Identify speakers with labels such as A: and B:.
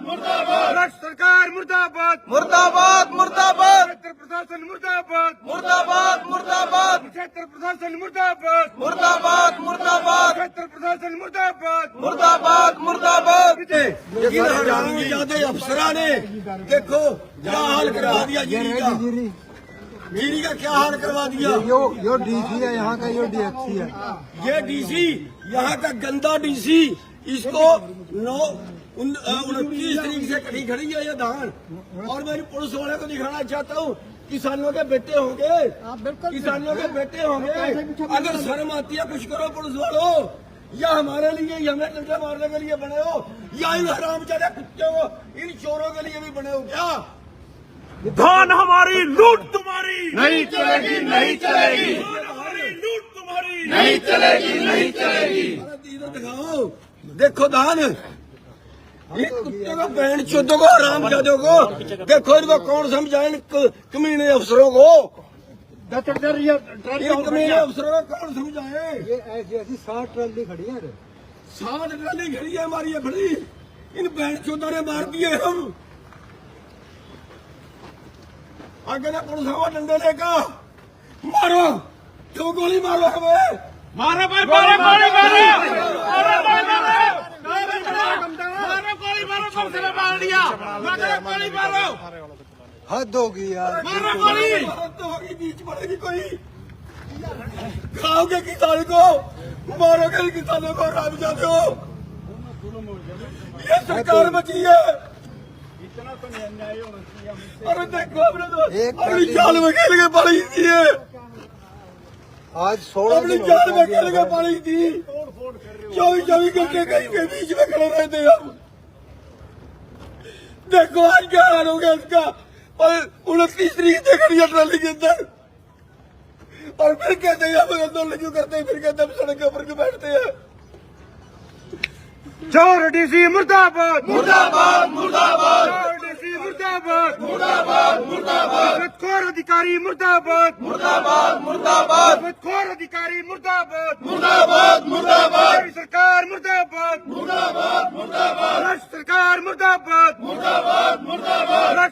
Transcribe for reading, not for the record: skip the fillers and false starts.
A: मुर्दाबाद राष्ट्र सरकार मुर्दाबाद
B: मुर्दाबाद मुर्दाबाद
A: क्षेत्र प्रशासन मुर्दाबाद
B: मुर्दाबाद मुर्दाबाद
A: क्षेत्र प्रशासन मुर्दाबाद
B: मुर्दाबाद मुर्दाबाद
A: क्षेत्र प्रशासन मुर्दाबाद
B: मुर्दाबाद मुर्दाबाद
C: ये हरामजादे अफसरां ने देखो क्या हाल करवा दिया जीरी का क्या हाल करवा दिया।
D: यो डीसी है यहाँ का, यो डीएफसी है।
C: ये डीसी यहाँ का गंदा डीसी, इसको 29 तारीख से कटी खड़ी है ये धान। और मैं पुलिस वाले को दिखाना चाहता हूँ, किसानों के बेटे होंगे, किसानों के बेटे होंगे, अगर शर्म आती है कुछ करो पुलिस वालों। या हमारे लिए हमें डंडे मारने के लिए बने हो, या इन हरामजादे कुत्तों को, इन चोरों के लिए भी बने हो क्या?
A: धान हमारी लूट तुम्हारी
B: नहीं चलेगी नहीं चलेगी
A: धान हमारी लूट तुम्हारी
B: नहीं चलेगी नहीं चलेगी।
C: इधर दिखाओ, देखो धान, ये कुत्ते को बहन चौधों को हरामजादों को देखो, इनको कौन समझाए इन कमीने अफसरों को, इन कमीने अफसरों को कौन समझाए।
D: ये ऐसी ऐसी 60 ट्राली खड़ी है।
C: 60 ट्राली खड़ी है हमारी ये बड़ी, इन बहन चौधों ने मार दिए हम। आगे ना पुलिस हवा डंडे लेकर मारो, क्यों गोली मारो हमें,
A: मारो भाई मारो गोली मारो गोली मारो सबसे मार दिया गोली मारो
D: हद होगी यार।
A: मारो गोली
C: तो होगी, बीच पड़ेगी कोई, खाओगे किसान को, मारोगे किसानों को, राम जाते हो। ये सरकार बची है। अरे देखो अपने तो अपनी जाल में खेल के पड़ी थी ये,
D: आज 16
C: अपनी जाल में खेल के पड़ी थी, 24 घंटे कहीं के बीच में खड़े रहते हम। देखो आज क्या हाल हो गया इसका। और 29 तारीख से खड़ी है ट्राली के अंदर, और फिर कहते हैं हम आंदोलन क्यों करते हैं, फिर कहते हैं हम सड़क के ऊपर क्यों बैठते हैं।
A: चोर डीसी मुर्दाबाद
B: मुर्दाबाद मुर्दाबाद
A: चोर डीसी मुर्दाबाद
B: मुर्दाबाद मुर्दाबाद
A: खोर अधिकारी मुर्दाबाद
B: मुर्दाबाद मुर्दाबाद
A: खोर अधिकारी मुर्दाबाद
B: मुर्दाबाद मुर्दाबाद
A: राष्ट्र सरकार मुर्दाबाद
B: मुर्दाबाद मुर्दाबाद
A: राष्ट्र सरकार मुर्दाबाद
B: मुर्दाबाद मुर्दाबाद